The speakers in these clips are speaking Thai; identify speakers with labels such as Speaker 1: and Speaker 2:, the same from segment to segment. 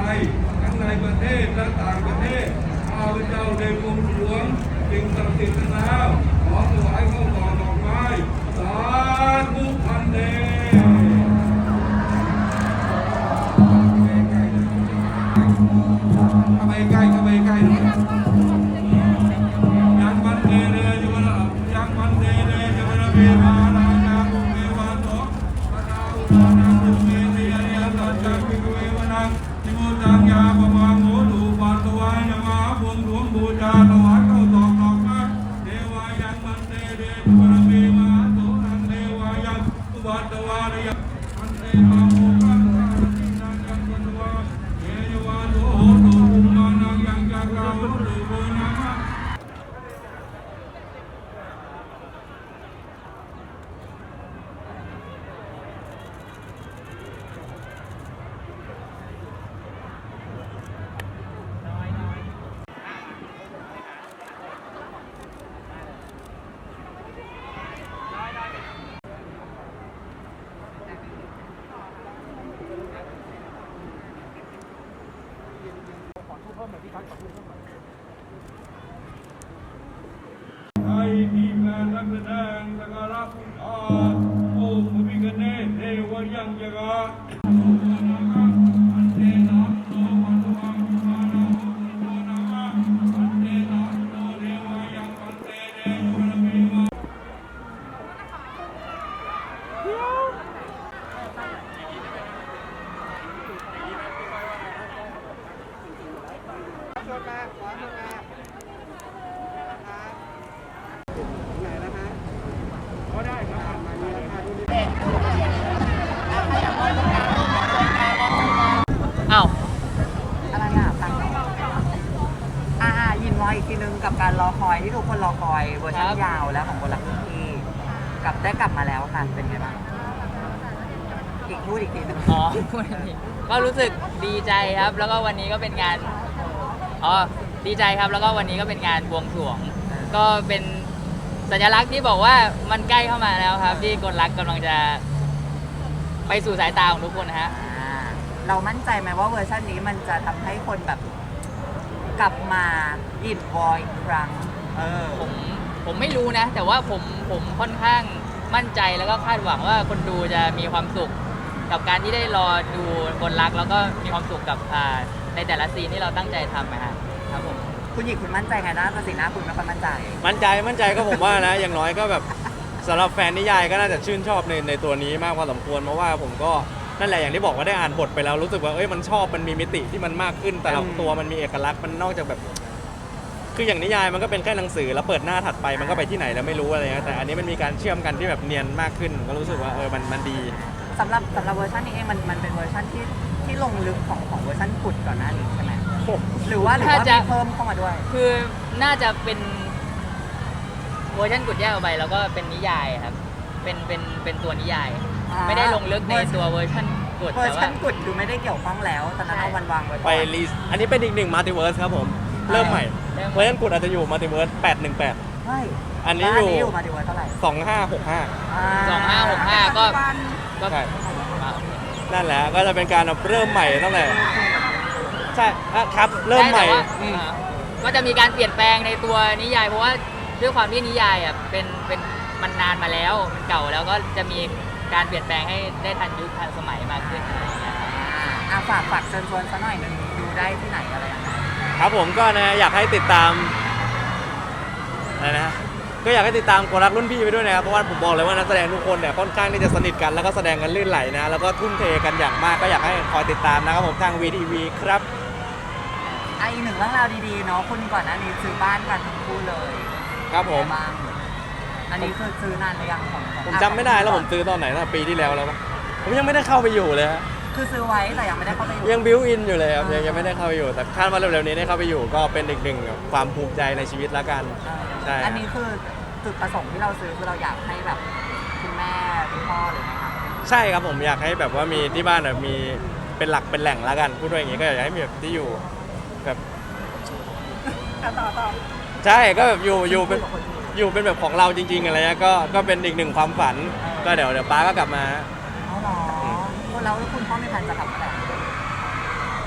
Speaker 1: ยทั้งในประเทศและต่างประเทศข้าพเจ้าได้บวงสรวงสิ่งศักดิ์สิทธิ์นั้นแล้วขอถวายข้าวตอกดอกไม้สาธุพันเดเข้าไปใกล้ยังมันเดเดจุวระยังมันเดเดจุวระเวมานานาบุเววาโตปะนาอุปานาบุเวเนียเนียสัจจวิกเววนังทิมุตังยาปมาโมดูปัตตวายนามาบวงสรวงบูชาถวายข้าวตอกดอกไม้เทวายังมันเดเดจุวระเวมาโตนังเทวายังอุปัตตวายยังมันเทมาโมกัสสะตินังยังปัตตวาเยวาโตโหตุภูมานังยังจักราวุตุโกนามะให้ทีมงานนักแสดงสักการะพุทธาโอมพระพิฆเนศเทวยังยกะโอนาคอันเทนะโตปัตตวังมานาโอนาคอันเทนะโตเทวยังอันเทเดโยระเมมา
Speaker 2: อ้าว
Speaker 3: อะไรอ่ะฟังหน่อยยินไว้อีกทีนึงกับการรอคอยที่ทุกคนรอคอยเวอร์ชันยาวแล้วของคนละที่ได้กลับมาแล้วค่ะเป็นไงบ้างพูดอีกทีนึง
Speaker 2: อ๋อพูดอันนี้ก็รู้สึกดีใจครับ แล้วก็วันนี้ก็เป็นงานดีใจครับ แล้วก็วันนี้ก็เป็นงานบวงสรวง ก็เป็นสัญลักษณ์ที่บอกว่ามันใกล้เข้ามาแล้วครับ ที่กลรักกำลังจะไปสู่สายตาของทุกคนนะฮะ
Speaker 3: เรามั่นใจไหมว่าเวอร์ชันนี้มันจะทำให้คนแบบกลับมายินวอยอีกครั้ง
Speaker 2: ผมไม่รู้นะ แต่ว่าผมค่อนข้างมั่นใจแล้วก็คาดหวังว่าคนดูจะมีความสุขกับการที่ได้รอดูคนรักแล้วก็มีความสุขกับในแต่ละซีนที่เราตั้งใจทำครับผม
Speaker 3: คุณหญิงคุณมั่นใจไงนะสีหน้าคุณไม่ค่อยมั่นใจ
Speaker 4: มั่นใจก็ผมว่านะ อย่างน้อยก็แบบสำหรับแฟนนิยายก็น่าจะชื่นชอบในตัวนี้มากพอสมควรเพราะว่าผมก็นั่นแหละอย่างที่บอกว่าได้อ่านบทไปแล้วรู้สึกว่ามันชอบมันมีมิติที่มันมากขึ้นแต่ละตัวมันมีเอกลักษณ์มันนอกจากแบบคืออย่างนิยายมันก็เป็นแค่หนังสือแล้วเปิดหน้าถัดไปมันก็ไปที่ไหนแล้วไม่รู้อะไรเงี้ยแต่อันนี้มันมีการเชื่อมกันที่แบบเนียนมากขึ้นก็รู้สึกว่ามันดี
Speaker 3: สำหรับเวอร์ชันนี้เองมันเป็นเวอร์ชันที่ลงลึกของเวอร์ชันกุดก่อนหน้านี้ใช่ไหมหรือว่ามีเพิ่มเข้ามาด้วย
Speaker 2: คือน่าจะเป็นเวอร์ชันกุดแยกออกไปแล้วก็เป็นนิยายครับเป็นตัวนิยายไม่ได้ลงลึกในตัวเวอร์ชันกุด
Speaker 3: เวอร์ชันกุดคือไม่ได้เกี่ยวข้องแล้วตอนนั้นเอาวันวางไว้
Speaker 4: ไปรีสอันนี้เป็นอีกหนึ่งมัลติเวิร์สครับผมเริ่มใหม่เวอร์ชันกุดอาจจะอยู่มัลติเวิร์ส818
Speaker 3: ใช่
Speaker 4: อันนี้อยู่
Speaker 3: มัลติเวิร์สเท่าไหร่
Speaker 4: 2565
Speaker 2: ก็
Speaker 4: ใช่นั่นแหละก็จะเป็นการเริ่มใหม่ตั้งแต่ใช่ครับเริ่มใหม่
Speaker 2: ก็จะมีการเปลี่ยนแปลงในตัวนิยายเพราะว่าด้วยความที่นิยายเป็นมันนานมาแล้วมันเก่าแล้วก็จะมีการเปลี่ยนแปลงให้ได้ทันยุคทันสมัยมากขึ้นอะไรอย่างเงี้ย
Speaker 3: ฝากเชิญชวนซะหน่อยนึงดูได้ที่ไหนอะไรอย่างเงี้ย
Speaker 4: ครับผมก็นะอยากให้ติดตามอะไรนะก็อยากให้ติดตามคนรักรุ่นพี่ไปด้วยนะครับเพราะว่าผมบอกเลยว่านักแสดงทุกคนเนี่ยค่อนข้างที่จะสนิทกันแล้วก็แสดงกันลื่นไหลนะแล้วก็ทุ่มเทกันอย่างมากก็อยากให้คอยติดตามนะครับผมทาง VTV ครับ
Speaker 3: อีกหนึ่งเรื่องราวดีๆเนาะคุณก่อนหน้านี้ซื้อบ้านกันทั้งคู่เลย
Speaker 4: ครับผม
Speaker 3: อันนี้คือซื้อนานหรือยัง
Speaker 4: ผมจำไม่ได้แล้วผมซื้อตอนไหนตั้งปีที่แล้วแล้วผมยังไม่ได้เข้าไปอยู่เลยฮะ
Speaker 3: คือซื้อไว้แต่ยังไม่ได้เข้าไปอยู่
Speaker 4: ยังบิวอินอยู่เลยครับยังไม่ได้เข้าไปอยู่แต่คาดว่าเร็วๆนี้ได้เข้าไปอยู่ก็เป็นอีกหนึ่งความภูมิใจในชีวิตละกัน
Speaker 3: ใช่อันนี้คือจุดประสงค์ที่เราซื้อคือเราอยากให้แบบคุณแม่คุณพ่อหรือไงครับ
Speaker 4: ใช่ครับผมอยากให้แบบว่ามีที่บ้านแบบมีเป็นหลักเป็นแหล่งละกันพูดว่าอย่างนี้ก็อยากให้มีแบบที่อยู่แบบ
Speaker 3: ต่อ
Speaker 4: ใช่ก็แบบอยู่เป็นแบบของเราจริงๆอะไรเงี้ยก็เป็นอีกหนึ่งความฝันก็เดี๋ยวป้าก็กลับมา
Speaker 3: อ๋อเหรอแล้วคุณพ่อมีแผนจะกลับมาไหน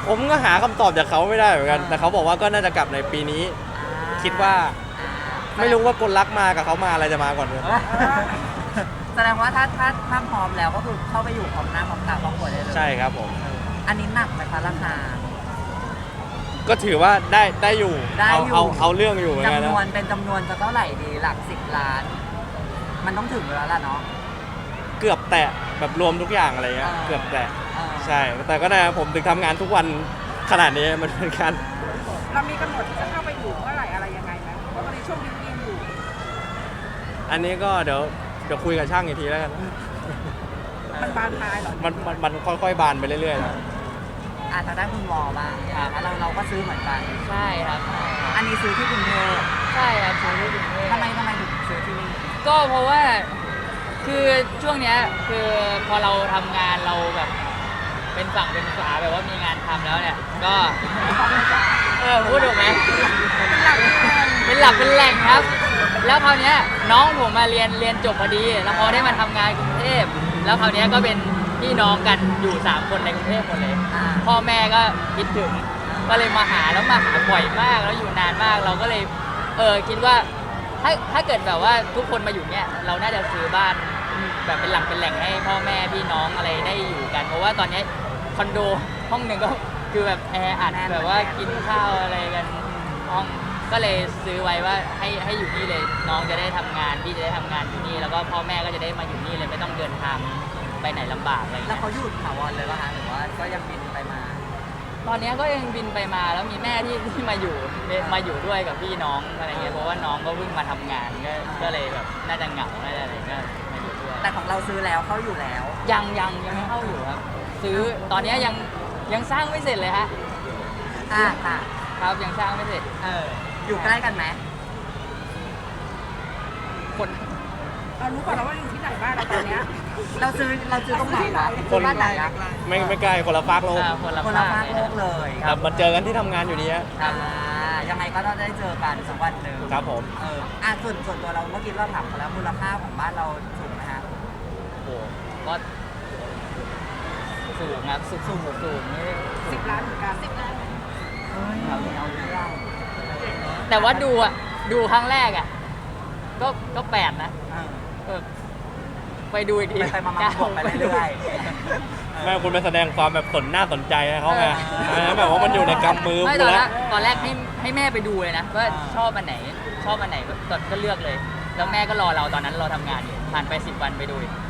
Speaker 4: ผมก็หาคำตอบจากเขาไม่ได้เหมือนกัน แต่เขาบอกว่าก็น่าจะกลับในปีนี้ คิดว่า ไม่รู้ว่ากลรักมากับเขามาอะไรจะมาก่อนเลย
Speaker 3: แสดงว่าถ้าพร้อมแล้วก็คือเข้าไปอยู่พร้อมหน้าพร้อมตาครอบครัวได้เลย
Speaker 4: ใช่ครับผม
Speaker 3: อันนี้หนักไหมคะราคา
Speaker 4: ก็ถือว่าได้อยู่
Speaker 3: ได้อยู่
Speaker 4: เอาเรื่องอยู่เหมือนกัน
Speaker 3: จำน
Speaker 4: นะ
Speaker 3: วนเป็นจำนวนจะเท่าไหร่ดีหลัก10 ล้าน มันต้องถึงอยู่แล้วล่ะเนาะ
Speaker 4: เกือบแตะแบบรวมทุกอย่างอะไรเงี้ย
Speaker 3: อ่า
Speaker 4: เกือบแตะ
Speaker 3: เออ
Speaker 4: ใช่ แต่ก็ได้ผมถึงทำงานทุกวันขนาดนี้มันเป็นการ
Speaker 5: เรามีกำหนดที่จะเข้าไปอยู่เมื่อไหร่อะไรยังไงไหมเพราะตอนนี้ช่วงบิวกิ้นอยู่
Speaker 4: อันนี้ก็เดี๋ยวคุยกับช่างอีกทีแล้วกัน
Speaker 5: มันบานปลายเหรอ
Speaker 4: มันค่อยๆบานไปเรื่อยๆนะ
Speaker 3: อาจจะได้คุณวอบ้างอย่างเงี้ยเราก็ซื้อเหมือนกัน
Speaker 2: ใช่ครับ
Speaker 3: อันนี้ซื้อที่กรุงเทพ
Speaker 2: ใช่ครับซื้อที่กรุงเทพ
Speaker 3: ทำไมถึงซื้อที่นี่
Speaker 2: ก็เพราะว่าคือช่วงเนี้ยคือพอเราทำงานเราแบบเป็นฝั่งเป็นฝาแบบว่ามีงานทำแล้วเนี่ยก็พูดถูกไหมเป็นหลักเป็นแหล่งครับ แล้วคราวเนี้ยน้องผมมาเรียนจบพอดี แล้วพอได้มาทำงานกรุงเทพแล้วคราวเนี้ยก็เป็นพี่น้องกันอยู่3คนในกรุงเทพหมดเลย
Speaker 3: อ่า
Speaker 2: พ่อแม่ก็คิดถึงก็เลยมาหาแล้วมาหาบ่อยมากแล้วอยู่นานมากเราก็เลยคิดว่าถ้าเกิดแบบว่าทุกคนมาอยู่เนี่ยเราน่าจะซื้อบ้านแบบเป็นหลักเป็นแหล่งให้พ่อแม่พี่น้องอะไรได้อยู่กัน เพราะว่าตอนนี้คอนโดห้องหนึ่งก็คือแบบแออัดแบบว่ากินข้าวอะไรกันห้องก็เลยซื้อไว้ว่าให้อยู่นี่เลยน้องจะได้ทำงานพี่จะได้ทำงานอยู่นี่แล้วก็พ่อแม่ก็จะได้มาอยู่นี่เลยไม่ต้องเดินทางไปไหนลำบากอะไรอย่าง
Speaker 3: แล้ว
Speaker 2: เงี้ย
Speaker 3: เขาหยุดถาวรเลยป่ะคะหรือว่าก็ยังบินไปมา
Speaker 2: ตอนนี้ก็ยังบินไปมาแล้วมีแม่ที่มาอยู่ด้วยกับพี่น้องอะไรเงี้ยเพราะว่าน้องก็เพิ่งมาทำงานก็เลยแบบน่าจะเหงาน่าจะอะไรก็มาอยู่ด้วย
Speaker 3: แต่ของเราซื้อแล้วเขาอยู่แล้ว
Speaker 2: ยังไม่เข้าอยู่ครับ ซื้อตอนนี้ยังสร้างไม่เสร็จเลยฮะ
Speaker 3: ค่ะ
Speaker 2: ครับยังสร้างไม่เสร็จ
Speaker 3: อยู่ใกล้กันไหม
Speaker 2: คน
Speaker 5: เรารู้ก่อนแล้วว่าอยู่ที่ไหนบ้างเราตอนเนี้ย
Speaker 3: เราซื้อตรงไหนคะ
Speaker 4: คน
Speaker 3: บ้านไหนอะ
Speaker 4: ไม่ใกล้คนละฟากโลก
Speaker 2: คนละ
Speaker 3: คนละ
Speaker 2: ภา
Speaker 3: ภา
Speaker 2: ค
Speaker 3: คโลกเลย
Speaker 4: ครับมันเจอกันที่ทำงานอยู่ดีฮะ
Speaker 2: ครับ
Speaker 3: ยังไงก็ต้องได้เจอกันสักวันหนึ่ง
Speaker 4: ครับผม
Speaker 3: ส่วนตัวเราเมื่อกี้เราถามเขาแล้วมูลค่าของบ้านเราสูงไหมฮะ
Speaker 2: โอ้โหก็สูงครับสูงนี่
Speaker 5: 10 ล้านเหมือนกัน10 ล้าน
Speaker 3: เราเอาเรื่อง
Speaker 2: แต่ว่าดูครั้งแรกอ่ะก็8นะ ไปดูอีกที
Speaker 3: ไปมาบวกไปเรื่อย
Speaker 4: แม่คุณไปแสดงความแบบสนหน้าสนใจให้เขาไงแบบว่ามันอยู่ในกำมือ
Speaker 2: ไม่
Speaker 4: คุ
Speaker 2: ต
Speaker 4: ณ
Speaker 2: อนแร
Speaker 4: แล้ว
Speaker 2: กให้แม่ไปดูเลยนะว่าชอบอันไหนก็เลือกเลย แล้วแม่ก็รอเราตอนนั้นเราทำงานอยู่ผ่านไป10 วันไปดูอีก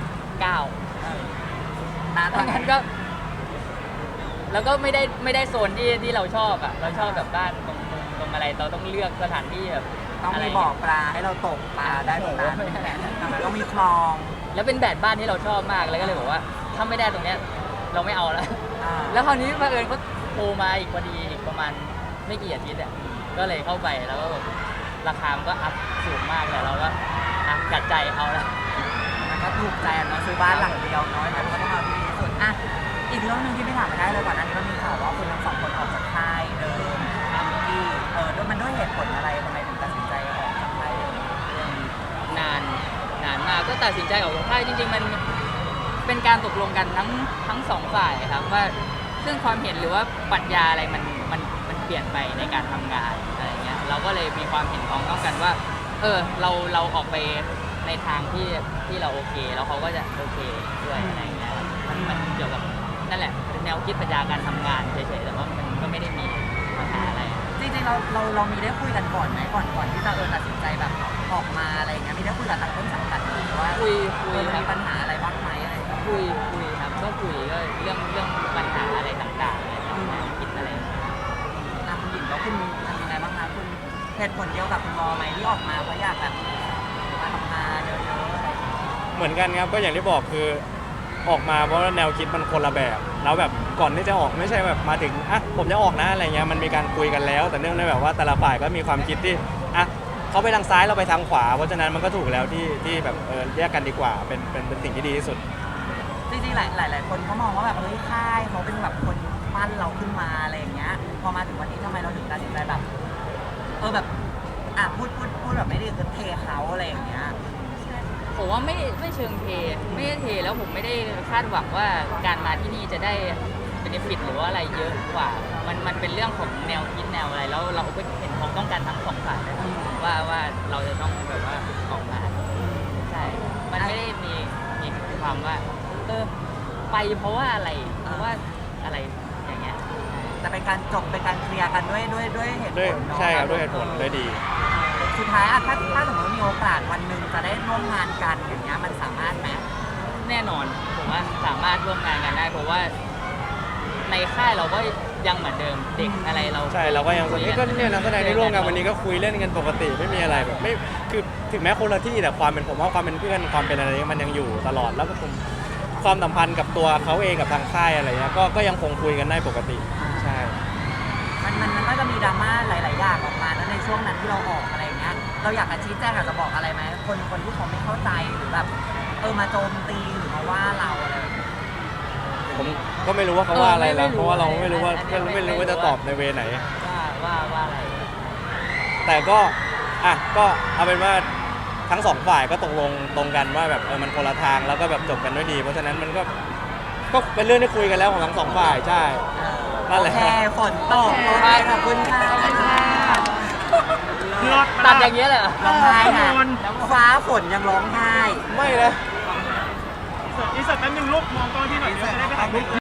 Speaker 2: 9
Speaker 3: นะ
Speaker 2: ตอนนั้นก็ แล้วก็ไม่ได้โซนที่เราชอบอ่ะเราชอบแบบบ้านตรงอะไรเราต้องเลือกสถานที่แบบ
Speaker 3: ต้องมีบ่อปลาให้เราตกปลาได้ตรงนั้นแล้วก็มีคลอง
Speaker 2: แล้วเป็นแบบบ้านที่เราชอบมากแล้วก็เลยบอกว่าถ้าไม่ได้ตรงเนี้ยเราไม่เอาแล้ว แล้วคราวนี้บังเอิญเขาโทรมาอีกพอดีอีกประมาณไม่กี่อาทิตย์อ่ะก็เลยเข้าไปแล้วก็แบบราคามันก็อัพสูงมากแต่เราก็จัดใจเอาละ
Speaker 3: มันก็ถูกใจเนาะซื้อบ้านหลังเดียวน้อยมันก็ต้องเอาที่ดีที่สุดอีกเรื่องหนึงที่ไม่ถามไม่ได้เลยก่อนอันนี้มันมีข่าวว่าคุณทั้งสองคนออกจากค่ายเดิมที่ด้วยมันด้วยเหตุผลอะไรทำไมถึงตัดสินใจออกจากค่ายเดิม
Speaker 2: นานมากก็ตัดสินใจออกจากค่ายจริงๆมันเป็นการตกลงกันทั้งสองฝ่ายครับว่าซึ่งความเห็นหรือว่าปรัชญาอะไรมันเปลี่ยนไปในการทำงานอะไรเงี้ยเราก็เลยมีความเห็นพ้องต้องกันว่าเราออกไปในทางที่เราโอเคแล้วเขาก็จะโอเคด้วยอะไรเงี้ยมันเกี่ยวกับนั่นแหละเป็นแนวคิดปรัชญาการทำงานเฉยๆแต่ว่ามันก็ไม่ได้มีปัญหาอะไร
Speaker 3: จริงๆเรามีได้คุยกันก่อนไหมก่อนที่จะตัดสินใจแบบออกมาอะไรอย่างเงี้ยมีได้คุยกับทางต้นสังกัดหรือว่า
Speaker 2: คุย
Speaker 3: มีปัญหาอะไรบ้างไหมอะไรอย่างเงี้ย
Speaker 2: คุยครับก็คุยก็เรื่องปัญหาอะไรต่างๆอะไรคิดอะไร
Speaker 3: คุณหญิงแล้วคุณทำยังไงบ้างคะคุณเหตุผลเดียวกับคุณวอไหมที่ออกมาเพราะอยากแบบมาทำงานเยอะๆอะไรอย่างเงี้ย
Speaker 4: เหมือนกันครับก็อย่างที่บอกคือออกมาเพราะว่าแนวคิดมันคนละแบบแล้วแบบก่อนที่จะออกไม่ใช่แบบมาถึงผมจะออกนะอะไรเงี้ยมันมีการคุยกันแล้ว แต่เนื่องในแบบว่าแต่ละฝ่ายก็มีความคิดที่เขาไปทางซ้ายเราไปทางขวาเพราะฉะนั้นมันก็ถูกแล้วที่แบบแยกกันดีกว่าเป็นสิ่งที่ดีที่สุด
Speaker 3: จริงๆหลายคนเขามองว่าแบบเฮ้ยค่ายเขาเป็นแบบคนปั้นเราขึ้นมาอะไรอย่างเงี้ยพอมาถึงวันนี้ทำไมเราถึงตัดสินใจแบบแบบพูดแบบไม่ได้คือเทเขาอะไรอย่างเงี้ย
Speaker 2: ผมว่าไม่เชิงเทไม่ได้เทแล้วผมไม่ได้คาดหวังว่าการมาที่นี่จะได้ benefit หรือว่าอะไรเยอะกว่า มันเป็นเรื่องของแนวคิดแนวอะไร แล้วเราก็เห็นความต้องการทั้งสองฝ่ายเลยว่าเราจะต้องแบบว่าออกมาใช่ มันไม่ได้มีความว่าไปเพราะว่าอะไรเพราะว่าอะไรอย่างเงี้ย
Speaker 3: แต่เป็นการจบเป็นการเคลียร์กันด้วยเหตุผ
Speaker 4: ด้วย
Speaker 3: ลเนาะ
Speaker 4: ใช่ครับด้วยเหตุผลได้ดี
Speaker 3: สุดท้ายอะถ้าสมมติว่ามีโอกาสวันหนึ่งจะได้ร่วมงานกันอย่างเงี้ยมันสามารถไหม
Speaker 2: แน่นอนผมว่าสามารถร่วมงานกันได้ เพราะว่าในค่ายเราก็ยังเหมือนเดิมเด็กอะไรเรา
Speaker 4: ใช่เราก็ยัง
Speaker 2: คุ
Speaker 4: นี่ก็เนี่ยนักแสดงที่ร่วมกันวันนี้ก็คุยเล่นกันปกติไม่มีอะไรแบบไม่คือถึงแม้คนละที่แต่ความเป็นผมว่าความเป็นเพื่อนความเป็นอะไรมันยังอยู่ตลอดแล้วก็ผมความสัมพันธ์กับตัวเขาเองกับทางค่ายอะไรเงี้ยก็ยังคงคุยกันได้ปกติใช่
Speaker 3: มันก็จะมีดราม่าหลาย ๆ อย่างออกมาแล้วในช่วงนั้นที่เราออกอะไรอย่างเงี้ยเราอยากจะชี้แจงอยากจะบอกอะไรไหมคนที่เขาไม่เข้าใจหรือแบบมาโจมตีหรือมาว่าเราอะไรแบบนี้
Speaker 4: ผมก็ไม่รู้ว่าเขาว่าอะไรแล้วเพราะว่าเราไม่รู้ว่าจะตอบในเวไหน
Speaker 2: ว่าอะไร
Speaker 4: แต่ก็ก็เอาเป็นว่าทั้งสองฝ่ายก็ตกลงตรงกันว่าแบบมันคนละทางแล้วก็แบบจบกันด้วยดีเพราะฉะนั้นมันก็เป็นเรื่องที่คุยกันแล้วของทั้งสองฝ่ายใช่นั่นแหละ
Speaker 3: โอเคฝนตกโอเคขอบคุณค่ะ
Speaker 2: ตัดอย่างเงี้ยเลยเหรอ
Speaker 3: ร้องไห้นะฟ้าฝนยังร้องไห้
Speaker 4: ไม่นะ
Speaker 5: อีกสักแป๊บนึงลูกมองกล้องที่หน่อยเดี๋ยวจะได้ไปถ่ายรูป